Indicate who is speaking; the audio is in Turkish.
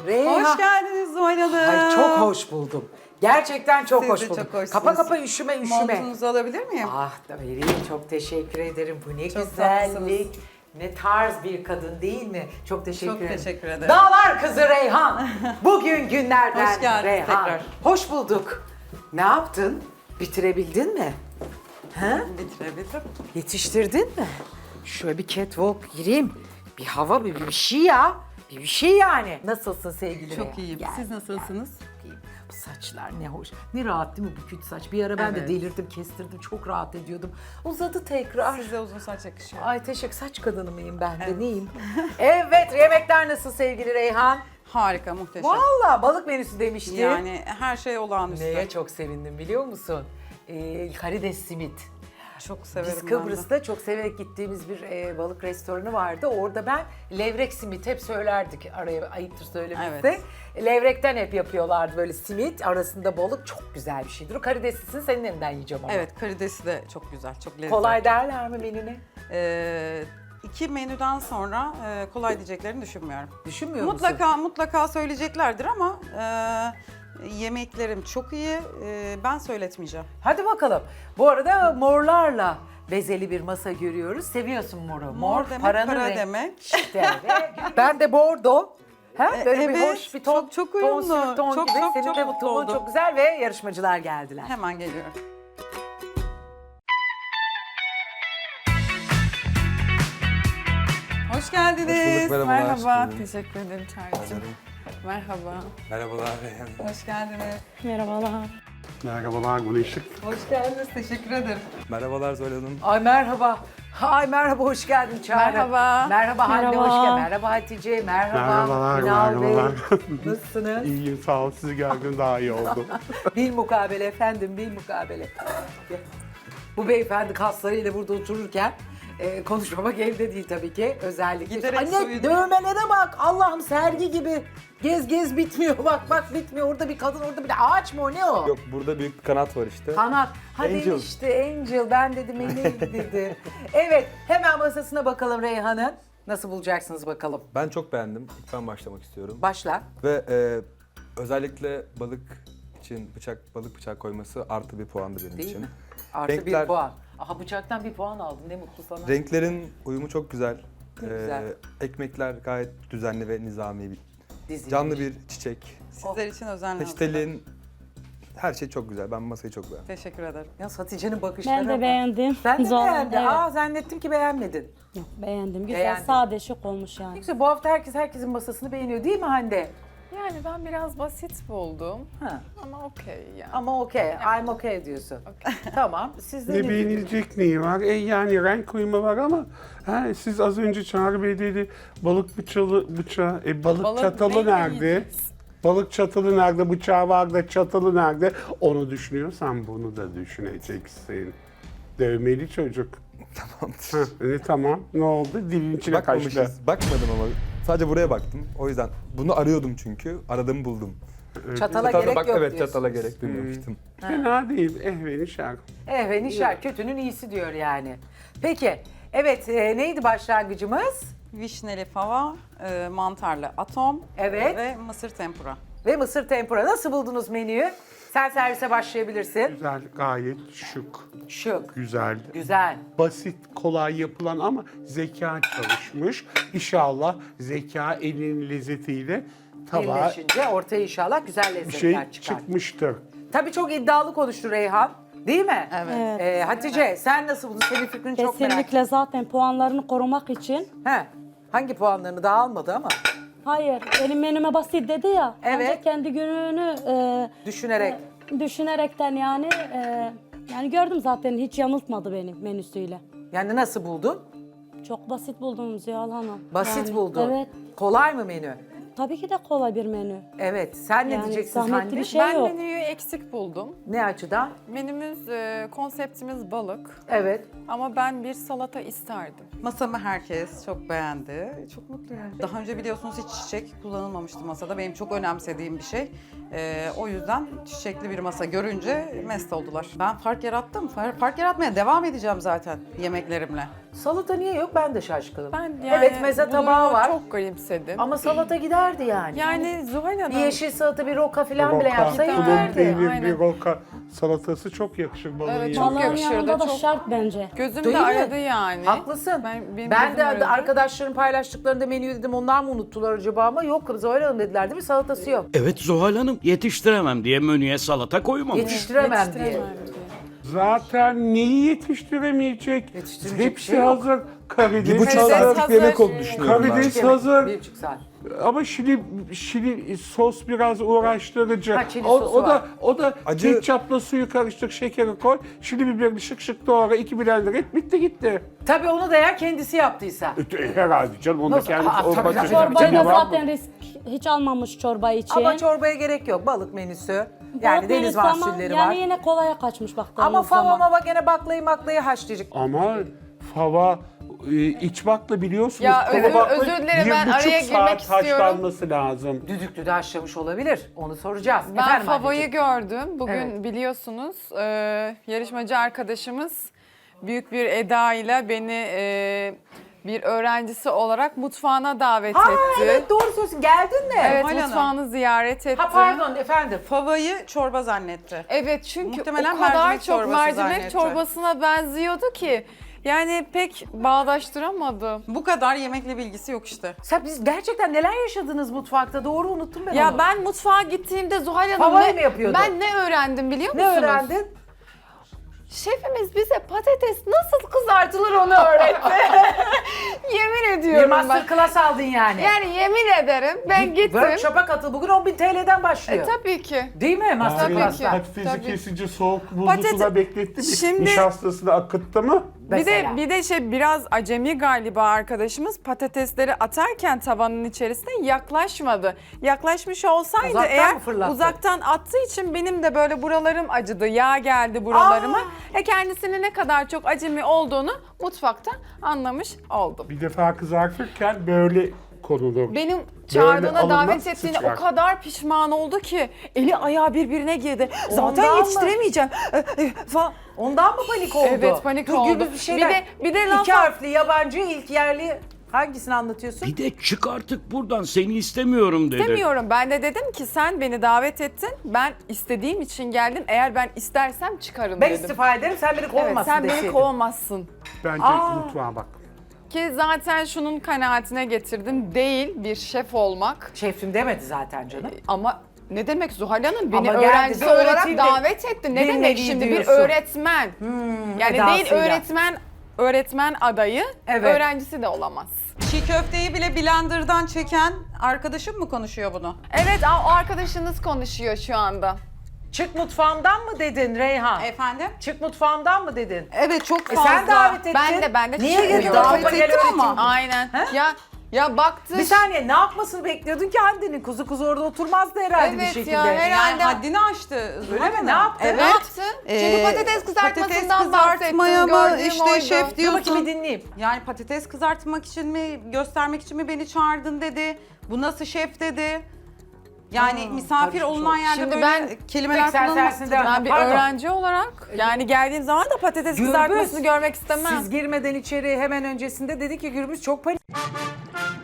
Speaker 1: Reyhan.
Speaker 2: Hoş geldiniz Zuhal Hanım.
Speaker 1: Ay çok hoş buldum. Gerçekten çok
Speaker 2: Siz
Speaker 1: hoş
Speaker 2: de
Speaker 1: buldum.
Speaker 2: çok hoşsunuz.
Speaker 1: Kapa üşüme.
Speaker 2: Montunuzu alabilir miyim?
Speaker 1: Ah da vereyim, çok teşekkür ederim. Bu ne
Speaker 2: Çok
Speaker 1: güzellik.
Speaker 2: tatlısınız.
Speaker 1: Ne tarz bir kadın değil mi? Çok teşekkür
Speaker 2: Çok
Speaker 1: ederim.
Speaker 2: teşekkür ederim.
Speaker 1: Dağlar kızı Reyhan. Bugün günlerden
Speaker 2: Hoş geldiniz
Speaker 1: Reyhan.
Speaker 2: tekrar.
Speaker 1: Hoş bulduk. Ne yaptın? Bitirebildin mi? Ha?
Speaker 2: Bitirebilirim.
Speaker 1: Yetiştirdin mi? Şöyle bir catwalk gireyim. Bir hava, bir şey ya. Bir şey yani. Nasılsın sevgili
Speaker 2: Çok
Speaker 1: Reyhan?
Speaker 2: iyiyim.
Speaker 1: Gel,
Speaker 2: Siz nasılsınız?
Speaker 1: gel. Bu saçlar ne hoş. Ne rahat değil mi bu küt saç? Bir ara ben de
Speaker 2: Evet.
Speaker 1: delirdim, kestirdim. Çok rahat ediyordum. Uzadı tekrar.
Speaker 2: Size uzun saç yakışıyor.
Speaker 1: Ay teşekkür. Saç kadını mıyım ben de?
Speaker 2: Evet.
Speaker 1: Neyim? Evet, yemekler nasıl sevgili Reyhan?
Speaker 2: Harika, muhteşem.
Speaker 1: Vallahi balık menüsü demişti.
Speaker 2: Yani her şey olağanüstü.
Speaker 1: Neye çok sevindim biliyor musun? Karides simit.
Speaker 2: Çok severim
Speaker 1: Biz
Speaker 2: ben de.
Speaker 1: Kıbrıs'ta çok severek gittiğimiz bir balık restoranı vardı. Orada ben levrek simit hep söylerdik. Araya ayıptır söylemesi.
Speaker 2: Evet.
Speaker 1: Levrekten hep yapıyorlardı böyle simit. Arasında balık çok güzel bir şeydir. O karideslisini senin elinden yiyeceğim ama.
Speaker 2: Evet, karidesi de çok güzel, çok lezzetli.
Speaker 1: Kolay derler mi menüne?
Speaker 2: 2 menüden sonra kolay diyeceklerini düşünmüyorum.
Speaker 1: Düşünmüyor musun?
Speaker 2: Mutlaka söyleyeceklerdir ama yemeklerim çok iyi. Ben söyletmeyeceğim.
Speaker 1: Hadi bakalım. Bu arada morlarla bezeli bir masa görüyoruz. Seviyorsun moru.
Speaker 2: Mor demek para demek.
Speaker 1: İşte ve ben de bordo. Ha? Böyle bir
Speaker 2: evet,
Speaker 1: hoş bir ton.
Speaker 2: çok uyumlu.
Speaker 1: Ton, ton
Speaker 2: Çok,
Speaker 1: gibi.
Speaker 2: çok,
Speaker 1: Senin
Speaker 2: çok
Speaker 1: de bu
Speaker 2: mutlu
Speaker 1: tonun
Speaker 2: oldum.
Speaker 1: çok güzel ve yarışmacılar geldiler.
Speaker 2: Hemen geliyorum. Hoş geldiniz.
Speaker 3: Hoş bulduk, merhabalar.
Speaker 2: Merhaba.
Speaker 3: Hoş bulduk.
Speaker 2: Teşekkür ederim Çağrı'cığım. Merhaba.
Speaker 3: Merhabalar Reyhan.
Speaker 2: Hoş geldiniz.
Speaker 4: Merhabalar.
Speaker 5: Merhabalar Güneşlik.
Speaker 2: Hoş geldiniz. Teşekkür ederim.
Speaker 3: Merhabalar Zuhal Hanım.
Speaker 1: Ay merhaba. Ay merhaba, hoş geldin Çağrı.
Speaker 2: Merhaba.
Speaker 1: Merhaba Hande,
Speaker 4: Merhaba.
Speaker 1: hoş geldin. Merhaba Hatice, merhaba.
Speaker 5: Merhabalar,
Speaker 1: Ünal Bey.
Speaker 5: merhabalar.
Speaker 1: Nasılsınız?
Speaker 5: İyiyim sağ ol. Sizi gördüm daha iyi oldu.
Speaker 1: Bil mukabele efendim, bil mukabele. Bu beyefendi kaslarıyla burada otururken konuşmamak elde değil tabii ki özellikle.
Speaker 2: Giderek
Speaker 1: Anne
Speaker 2: soyudu.
Speaker 1: dövmelere bak, Allah'ım sergi gibi. Gez bitmiyor, bak bitmiyor. Orada bir kadın, orada bir de ağaç mı o, ne o?
Speaker 3: Yok, burada büyük bir kanat var işte.
Speaker 1: Kanat. Hadi
Speaker 3: Angel.
Speaker 1: işte Angel, ben dedim neydi dedi. Evet, hemen masasına bakalım Reyhan'ın. Nasıl bulacaksınız bakalım.
Speaker 3: Ben çok beğendim. İlk ben başlamak istiyorum.
Speaker 1: Başla.
Speaker 3: Ve özellikle balık bıçak koyması artı bir puandı benim
Speaker 1: Değil
Speaker 3: için.
Speaker 1: mi? Artı bir
Speaker 3: Renkler-
Speaker 1: puan. Aha bıçaktan bir puan aldın, ne mutlu sana.
Speaker 3: Renklerin uyumu çok güzel.
Speaker 1: Ne güzel.
Speaker 3: Ekmekler gayet düzenli ve nizami.
Speaker 1: Dizilmiş.
Speaker 3: Canlı bir çiçek.
Speaker 2: Sizler için özenle.
Speaker 3: Peçetelin her şey çok güzel. Ben masayı çok beğendim.
Speaker 2: Teşekkür ederim.
Speaker 1: Ya Hatice'nin bakışları
Speaker 4: Ben de
Speaker 1: bak.
Speaker 4: beğendim.
Speaker 1: Sen de
Speaker 4: Zor-
Speaker 1: beğendin.
Speaker 4: Evet.
Speaker 1: Aa zannettim ki beğenmedin.
Speaker 4: Yok, beğendim. Güzel,
Speaker 1: Beğendin.
Speaker 4: sade, şık olmuş
Speaker 1: Ne
Speaker 4: yani.
Speaker 1: güzel, bu hafta herkesin masasını beğeniyor değil mi Hande?
Speaker 6: Yani ben biraz basit buldum
Speaker 1: Ha.
Speaker 6: ama okey yani.
Speaker 1: Ama okey, I'm okay diyorsun. Tamam, siz de
Speaker 5: Ne beğenilecek neyi var? Yani renk uyumu var ama siz az önce Çağrı Bey dedi balık bıçağı, balık çatalı
Speaker 6: neyle
Speaker 5: nerede?
Speaker 6: yiyeceğiz?
Speaker 5: Balık çatalı nerede? Bıçağı var da çatalı nerede? Onu düşünüyorsan bunu da düşüneceksin. Dövmeli çocuk.
Speaker 3: Tamamdır.
Speaker 5: Tamam. Ne oldu? Dilin içine kaçtı.
Speaker 3: Bakmamışız. Bakmadım ama. Sadece buraya baktım. O yüzden bunu arıyordum çünkü. Aradım buldum.
Speaker 1: Çatala gerek yok
Speaker 3: Evet,
Speaker 1: diyorsunuz.
Speaker 3: çatala gerek duymamıştım.
Speaker 5: Fena değil. Ehveni şarkı.
Speaker 1: Ve nişar, kötünün iyisi diyor yani. Peki, evet neydi başlangıcımız?
Speaker 2: Vişneli fava, mantarlı atom
Speaker 1: Evet.
Speaker 2: ve mısır tempura.
Speaker 1: Ve mısır tempura. Nasıl buldunuz menüyü? Sen servise başlayabilirsin.
Speaker 5: Güzel, gayet şık.
Speaker 1: Şık,
Speaker 5: Güzel.
Speaker 1: güzel.
Speaker 5: Basit, kolay yapılan ama zeka çalışmış. İnşallah zeka elinin lezzetiyle tabağa
Speaker 1: Birleşince ortaya inşallah güzel
Speaker 5: bir
Speaker 1: lezzetler
Speaker 5: şey
Speaker 1: çıkar.
Speaker 5: çıkmıştır.
Speaker 1: Tabii çok iddialı konuştu Reyhan. Değil mi?
Speaker 2: Evet.
Speaker 1: Hatice sen nasıl buldun? Senin fikrini çok merak ettim.
Speaker 4: Kesinlikle zaten puanlarını korumak için.
Speaker 1: He. Hangi puanlarını daha almadı ama
Speaker 4: Hayır, benim menüme basit dedi ya.
Speaker 1: Evet.
Speaker 4: Bence kendi gününü
Speaker 1: düşünerek.
Speaker 4: düşünerekten yani yani gördüm zaten hiç yanıltmadı beni menüsüyle.
Speaker 1: Yani nasıl buldun?
Speaker 4: Çok basit buldum Ziyal Hanım.
Speaker 1: Basit
Speaker 4: Yani,
Speaker 1: buldun.
Speaker 4: Evet.
Speaker 1: Kolay mı menü?
Speaker 4: Tabii ki de kolay bir menü.
Speaker 1: Evet. Sen ne
Speaker 4: Yani
Speaker 1: diyeceksin
Speaker 4: zahmetli
Speaker 1: Hande?
Speaker 4: bir şey
Speaker 6: Ben
Speaker 4: yok.
Speaker 6: menüyü eksik buldum.
Speaker 1: Ne açıdan?
Speaker 6: Menümüz, konseptimiz balık
Speaker 1: Evet.
Speaker 6: ama ben bir salata isterdim.
Speaker 2: Masamı herkes çok beğendi. Çok mutluyum. Daha önce biliyorsunuz hiç çiçek kullanılmamıştı masada. Benim çok önemsediğim bir şey. O yüzden çiçekli bir masa görünce mest oldular. Ben fark yarattım. Fark yaratmaya devam edeceğim zaten yemeklerimle.
Speaker 1: Salata niye yok? Ben de şaşkınım.
Speaker 6: Ben yani
Speaker 1: evet meze
Speaker 6: bu
Speaker 1: tabağı
Speaker 6: durumu
Speaker 1: var.
Speaker 6: çok garipsedim.
Speaker 1: Ama salata giderdi yani.
Speaker 6: Yani Zuhal Hanım.
Speaker 1: Bir yeşil salata, bir roka falan bile
Speaker 5: Roka,
Speaker 1: yapsa
Speaker 6: gider.
Speaker 5: tulum
Speaker 1: giderdi.
Speaker 5: peynirli
Speaker 6: Aynen.
Speaker 5: roka salatası çok yakışır balığın
Speaker 6: Evet,
Speaker 5: yanına.
Speaker 6: çok
Speaker 4: Balığın
Speaker 6: yakışırdı,
Speaker 4: yanında da
Speaker 6: çok-
Speaker 4: şart bence.
Speaker 6: Gözüm
Speaker 1: Değil
Speaker 6: de
Speaker 1: mi?
Speaker 6: aradı yani.
Speaker 1: Haklısın.
Speaker 6: Benim
Speaker 1: Ben
Speaker 6: gözüm
Speaker 1: de
Speaker 6: aradı.
Speaker 1: arkadaşlarım paylaştıklarında menüyü dedim onlar mı unuttular acaba ama yok Zuhal Hanım dediler değil mi? Salatası yok.
Speaker 7: Evet Zuhal Hanım yetiştiremem diye menüye salata koymamış.
Speaker 1: Yetiştiremem diye.
Speaker 6: Yetiştiremem diye.
Speaker 5: Zaten neyi yetiştiremeyecek?
Speaker 1: Yetiştirecek bir
Speaker 5: Hepsi
Speaker 1: şey yok.
Speaker 5: hazır. Karides
Speaker 3: 1,5
Speaker 6: Karides
Speaker 5: hazır.
Speaker 3: saatlik bir yemek
Speaker 6: hazır.
Speaker 3: oldu düşünüyorum ben.
Speaker 5: Karides hazır.
Speaker 1: 1,5 saat.
Speaker 5: Ama şili sos biraz uğraştırıcı.
Speaker 1: Ha, çili sosu var.
Speaker 5: O da
Speaker 3: Acı-
Speaker 5: ketçapla suyu karıştır, şekeri koy. Şili biberini şık şık doğra, 2 blender et, bitti gitti.
Speaker 1: Tabii onu da eğer kendisi yaptıysa.
Speaker 5: Herhalde canım, onu da
Speaker 1: Nasıl?
Speaker 5: kendisi
Speaker 1: Aa, tabii, tabii.
Speaker 4: Çorbayı da
Speaker 5: Cevap mı?
Speaker 4: zaten risk hiç almamış çorba için.
Speaker 1: Ama çorbaya gerek yok. Balık menüsü. Yani
Speaker 4: Balık
Speaker 1: deniz
Speaker 4: menüsü ama
Speaker 1: mahsulleri
Speaker 4: yani
Speaker 1: var.
Speaker 4: yine kolaya kaçmış baktığımız
Speaker 1: Ama
Speaker 4: zaman.
Speaker 1: fava gene baklayı haşlayacak.
Speaker 5: Ama fava iç bakla biliyorsunuz.
Speaker 6: Ya
Speaker 5: fava
Speaker 6: özür-
Speaker 5: bakla
Speaker 6: özür dilerim, ben
Speaker 5: 1,5
Speaker 6: araya girmek
Speaker 5: saat
Speaker 6: istiyorum.
Speaker 5: haşlanması lazım.
Speaker 1: Düdüklü de haşlamış olabilir. Onu soracağız.
Speaker 6: Ben
Speaker 1: Efendim
Speaker 6: Fava'yı
Speaker 1: anneciğim?
Speaker 6: gördüm. Bugün
Speaker 1: Evet.
Speaker 6: biliyorsunuz yarışmacı arkadaşımız büyük bir eda ile beni bir öğrencisi olarak mutfağına davet
Speaker 1: Ha
Speaker 6: etti.
Speaker 1: evet doğru söylüyorsun. Geldin mi?
Speaker 6: Evet,
Speaker 2: Zuhal Hanım.
Speaker 6: mutfağını ziyaret etti.
Speaker 1: Ha pardon efendim.
Speaker 2: Favayı çorba zannetti.
Speaker 6: Evet çünkü
Speaker 2: Muhtemelen
Speaker 6: o kadar
Speaker 2: mercimek
Speaker 6: çok
Speaker 2: çorbası
Speaker 6: mercimek
Speaker 2: zannetti.
Speaker 6: çorbasına benziyordu ki. Yani pek bağdaştıramadım.
Speaker 2: Bu kadar yemekle bilgisi yok işte.
Speaker 1: Sen biz gerçekten neler yaşadınız mutfakta? Doğru unuttum ben
Speaker 6: Ya
Speaker 1: onu.
Speaker 6: ben mutfağa gittiğimde Zuhal Hanım
Speaker 1: Favayı mı yapıyordun?
Speaker 6: ben ne öğrendim biliyor
Speaker 1: Ne
Speaker 6: musunuz?
Speaker 1: öğrendin?
Speaker 6: Şefimiz bize patates nasıl kızartılır onu öğretti. Yemin
Speaker 1: Bir
Speaker 6: ediyorum
Speaker 1: master
Speaker 6: bak.
Speaker 1: class aldın yani.
Speaker 6: Yani yemin ederim ben gittim.
Speaker 1: Workshop'a katıl. Bugün 10.000 TL'den başlıyor.
Speaker 6: Tabii ki.
Speaker 1: Değil mi master
Speaker 6: Tabii
Speaker 1: class'ta?
Speaker 6: ki.
Speaker 5: Patatesi
Speaker 6: Tabii.
Speaker 5: kesince soğuk buzlu
Speaker 6: Patates-
Speaker 5: suda bekletti mi?
Speaker 6: Şimdi-
Speaker 5: Nişastasını akıttı mı?
Speaker 1: Mesela.
Speaker 6: Bir de biraz acemi galiba arkadaşımız patatesleri atarken tavanın içerisine yaklaşmadı. Yaklaşmış olsaydı
Speaker 1: Uzaktan
Speaker 6: eğer
Speaker 1: mı fırlattı?
Speaker 6: uzaktan attığı için benim de böyle buralarım acıdı. Yağ geldi buralarıma. Kendisinin ne kadar çok acemi olduğunu mutfakta anlamış oldum.
Speaker 5: Bir defa kızartırken böyle konulur.
Speaker 6: Benim çağırdığına
Speaker 5: alınmaz,
Speaker 6: davet ettiğine
Speaker 5: sıçrar.
Speaker 6: o kadar pişman oldu ki eli ayağı birbirine girdi. Zaten
Speaker 1: Ondan mı?
Speaker 6: yetiştiremeyeceğim falan.
Speaker 1: Ondan mı panik oldu?
Speaker 6: Evet, panik
Speaker 1: Dur,
Speaker 6: oldu.
Speaker 1: Gürbüz bir şeyler.
Speaker 6: Bir de
Speaker 1: İki
Speaker 6: laf
Speaker 1: harfli, yabancı, ilk yerli. Hangisini anlatıyorsun?
Speaker 7: Bir de çık artık buradan seni istemiyorum dedi.
Speaker 6: istemiyorum. Ben de dedim ki sen beni davet ettin. Ben istediğim için geldim. Eğer ben istersem çıkarım
Speaker 1: Ben
Speaker 6: dedim.
Speaker 1: istifa ederim, sen beni kovmasın
Speaker 6: Evet, sen
Speaker 1: deseydin.
Speaker 6: beni kovamazsın.
Speaker 5: Bence mutfağa bak.
Speaker 6: Ki zaten şunun kanaatine getirdim. Değil bir şef olmak.
Speaker 1: Şefim demedi zaten canım.
Speaker 6: Ama ne demek Zuhal Hanım? Beni
Speaker 1: Ama geldi
Speaker 6: öğrencisi
Speaker 1: de
Speaker 6: olarak
Speaker 1: öğretildi.
Speaker 6: davet etti. Ne
Speaker 1: Bir
Speaker 6: demek
Speaker 1: nevi
Speaker 6: şimdi
Speaker 1: diyorsun.
Speaker 6: bir öğretmen? Yani değil
Speaker 1: edasıyla.
Speaker 6: öğretmen adayı,
Speaker 1: Evet.
Speaker 6: öğrencisi de olamaz.
Speaker 2: Çiğ köfteyi bile blenderdan çeken arkadaşım mı konuşuyor bunu?
Speaker 6: Evet, o arkadaşınız konuşuyor şu anda.
Speaker 1: Çık mutfağımdan mı dedin Reyhan?
Speaker 2: Efendim?
Speaker 1: Çık mutfağımdan mı dedin?
Speaker 2: Evet çok fazla.
Speaker 1: Sen davet ettin.
Speaker 6: Ben de
Speaker 1: Niye
Speaker 6: çıkmıyorum.
Speaker 1: geliyor?
Speaker 2: Davet
Speaker 1: Topa gel
Speaker 2: ettim
Speaker 1: öğreteyim.
Speaker 2: ama.
Speaker 6: Aynen. Ya baktı.
Speaker 1: Bir saniye ne yapmasını bekliyordun ki Hande'nin kuzu orada oturmazdı herhalde bir
Speaker 6: Evet
Speaker 1: şekilde.
Speaker 6: ya, herhalde.
Speaker 2: Yani haddini aştı.
Speaker 1: Öyle mi? Ne yaptı?
Speaker 6: Ne yaptı? Çünkü patates kızartmasından bahsettim. Gördüğüm
Speaker 2: işte
Speaker 6: oydu.
Speaker 2: şef
Speaker 1: Dur
Speaker 2: diyorsun.
Speaker 1: bakayım bir dinleyeyim.
Speaker 2: Yani patates kızartmak için mi, göstermek için mi beni çağırdın dedi. Bu nasıl şef dedi. Yani misafir
Speaker 1: karışmış
Speaker 2: olunan
Speaker 1: oldu.
Speaker 2: yerde
Speaker 6: Şimdi
Speaker 2: böyle
Speaker 6: ben
Speaker 2: kelimeler
Speaker 1: Tek sen
Speaker 2: kullanılmaz.
Speaker 1: sensin devam.
Speaker 6: Ben bir
Speaker 1: Pardon.
Speaker 6: öğrenci olarak yani geldiğim zaman da patates
Speaker 1: Gürbüz,
Speaker 6: kızartmasını görmek istemem.
Speaker 1: Siz girmeden içeri hemen öncesinde dedi ki Gürbüz çok panik.